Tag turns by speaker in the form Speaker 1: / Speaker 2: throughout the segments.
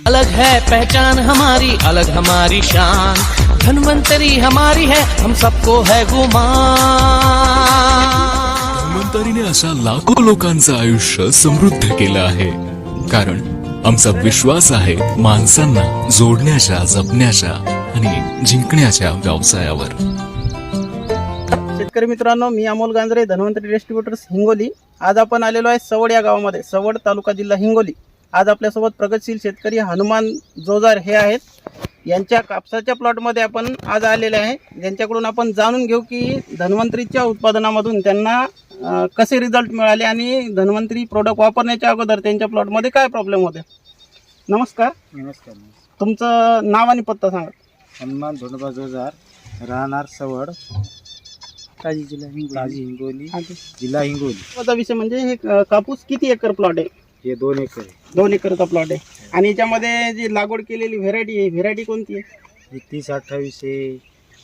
Speaker 1: अलग है पहचान हमारी, अलग हमारी शान, धन्वंतरी हमारी है, हम सबको है गुमान।
Speaker 2: धन्वंतरीने अशा लाखो लोकांचं आयुष्य समृद्ध केलं आहे, कारण आमचा विश्वास आहे माणसांना जोडण्याच्या, जपण्याच्या आणि जिंकण्याच्या व्यवसायावर।
Speaker 3: शेतकरी मित्रांनो, मी अमोल गांजरे, धन्वंतरी डिस्ट्रीब्युटर्स हिंगोली। आज आपण आलेलो आहे सवड या गावामध्ये, सवड तालुका जिल्हा हिंगोली। आज आपल्यासोबत प्रगतशील शेतकरी हनुमान जोजार हे आहेत। यांच्या कापसाच्या प्लॉटमध्ये आपण आज आलेले आहे, ज्यांच्याकडून आपण जाणून घेऊ की धन्वंतरीच्या उत्पादनामधून त्यांना कसे रिझल्ट मिळाले आणि धन्वंतरी प्रोडक्ट वापरण्याच्या अगोदर त्यांच्या प्लॉटमध्ये काय प्रॉब्लेम होते। नमस्कार।
Speaker 4: नमस्कार।
Speaker 3: तुमचं नाव आणि पत्ता सांगा।
Speaker 4: हनुमान धोंडोबा जोजार, राहणार सवड, ताजी हिंगोली, जिल्हा हिंगोली।
Speaker 3: माझा विषय म्हणजे हे कापूस किती एकर प्लॉट आहे?
Speaker 4: हे 2 एकर आहे।
Speaker 3: 2 एकरचा प्लॉट आहे। आणि याच्यामध्ये जी लागवड केलेली व्हेरायटी आहे, व्हेरायटी कोणती आहे?
Speaker 4: हे 3028 आहे,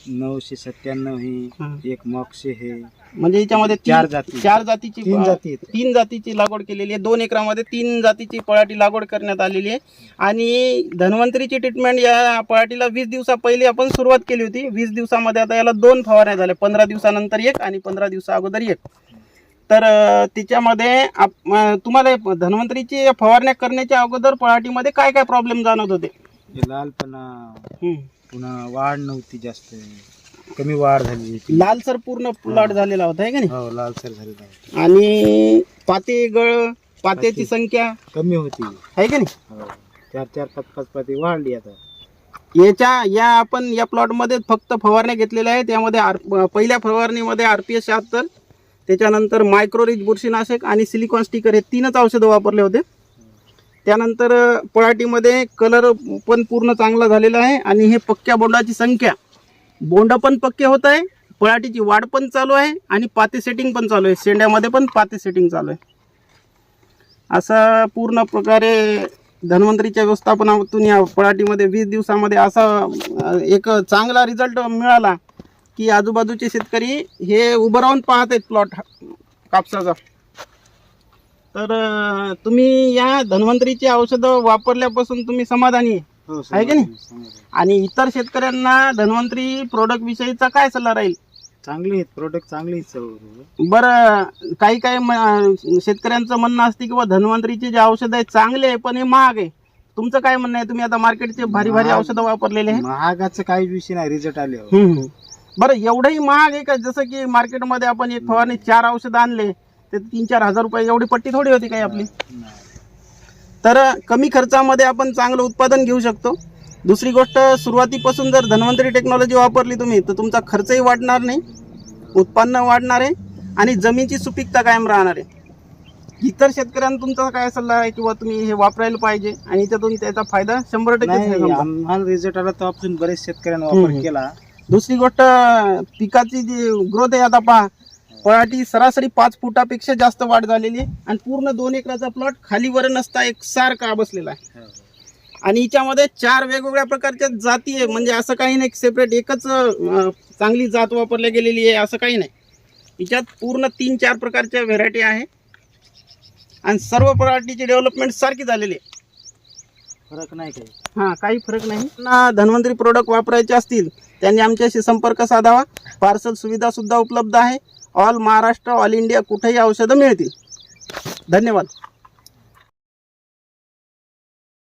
Speaker 4: 997 आहे, एक मॉक्से आहे।
Speaker 3: म्हणजे याच्यामध्ये
Speaker 4: 4 जाती,
Speaker 3: 4 जातीची
Speaker 4: 3 जाती आहेत।
Speaker 3: 3 जातीची लागवड केलेली आहे। 2 एकरामध्ये 3 जातीची पळाटी लागवड करण्यात आलेली आहे। आणि धन्वंतरीची ट्रीटमेंट या पळाटीला 20 दिवसा पहिले आपण सुरुवात केली होती। 20 दिवसामध्ये आता याला 2 फवारण्या झाल्या, 15 दिवसानंतर एक आणि 15 दिवसा अगोदर एक। तर तिच्यामध्ये तुम्हाला धन्वंतरीची फवारण्या करण्याच्या अगोदर पळाटीमध्ये काय काय प्रॉब्लेम जाणवत होते?
Speaker 4: हे लालपणा, पुन्हा वाढ नव्हती, जास्त कमी वाढ झाली,
Speaker 3: लालसर पूर्ण प्लॉट झालेला होता आहे का नाही?
Speaker 4: हो, लालसर झालेला होता।
Speaker 3: आणि पात्याची संख्या
Speaker 4: कमी होती
Speaker 3: आहे का नाही?
Speaker 4: 4-4, 5-5 पाती वाढली आता।
Speaker 3: आपण या प्लॉटमध्ये फक्त फवारण्या घेतलेल्या आहेत। त्यामध्ये पहिल्या फवारणीमध्ये RPS 76, त्याच्यानंतर मायक्रोरिच बुरशीनाशक आणि सिलिकॉन स्टिकर हे 3च औषधं वापरले होते। त्यानंतर पळाटीमध्ये कलर पण पूर्ण चांगला झालेला आहे आणि हे पक्क्या बोंडाची संख्या, बोंड पण पक्के होत आहे, पळाटीची वाढ पण चालू आहे आणि पाते सेटिंग पण चालू आहे, शेंड्यामध्ये पण पाते सेटिंग चालू आहे। असा पूर्ण प्रकारे धन्वंतरीच्या व्यवस्थापनातून या पळाटीमध्ये 20 दिवसामध्ये असा एक चांगला रिझल्ट मिळाला की आजूबाजूचे शेतकरी हे उभं राहून पाहत आहेत प्लॉट कापसाचा। तर तुम्ही या धन्वंतरीची औषधं वापरल्यापासून तुम्ही समाधानी आहे की नाही? आणि इतर शेतकऱ्यांना धन्वंतरी प्रोडक्ट विषयीचा काय सल्ला राहील?
Speaker 4: चांगली आहेत प्रोडक्ट, चांगली आहेत।
Speaker 3: बरं, काही शेतकऱ्यांचं म्हणणं असते की धन्वंतरीचे जे औषध आहे चांगले आहे पण हे महाग आहे, तुमचं काय म्हणणं आहे? तुम्ही आता मार्केटचे भारी भारी औषधं वापरलेले आहे।
Speaker 4: महागाचं काही विषय नाही, रिझल्ट आले।
Speaker 3: बरं, एवढंही महाग आहे का? जसं की मार्केटमध्ये आपण एक फवारणी 4 औषधं आणले ते 3-4 हजार रुपये, एवढी पट्टी थोडी होती काही आपली? तर कमी खर्चामध्ये आपण चांगलं उत्पादन घेऊ शकतो। दुसरी गोष्ट, सुरुवातीपासून जर धन्वंतरी टेक्नॉलॉजी वापरली तुम्ही तर तुमचा खर्चही वाढणार नाही, उत्पन्न वाढणार आहे आणि जमिनीची सुपीकता कायम राहणार आहे। इतर शेतकऱ्यांना तुमचा काय सल्ला आहे किंवा तुम्ही हे वापरायला पाहिजे आणि त्यातून त्याचा फायदा 100%
Speaker 4: आम्हाला रिझल्ट आला तर आपण बरेच शेतकऱ्यांना वापर केला।
Speaker 3: दुसरी गोष्ट, पिकाची जी ग्रोथ आहे, आता पहा पळाटी सरासरी 5 फुटापेक्षा जास्त वाढ झालेली आहे आणि पूर्ण 2 एकराचा प्लॉट खालीवर नसता एकसारखा बसलेला आहे। आणि हिच्यामध्ये 4 वेगवेगळ्या प्रकारच्या जाती आहे, म्हणजे असं काही नाही सेपरेट एकच चांगली जात वापरली गेलेली आहे असं काही नाही। हिच्यात पूर्ण 3-4 प्रकारच्या व्हेरायटी आहे आणि सर्व पळाटीची डेव्हलपमेंट सारखी झालेली आहे,
Speaker 4: फरक नाही काही।
Speaker 3: काही फरक नाही। धन्वंतरी प्रोडक्ट वापरायचे असतील त्यांनी आमच्याशी संपर्क साधावा। पार्सल सुविधा सुद्धा उपलब्ध आहे। ऑल महाराष्ट्र, ऑल इंडिया कुठेही औषधं मिळतील। धन्यवाद।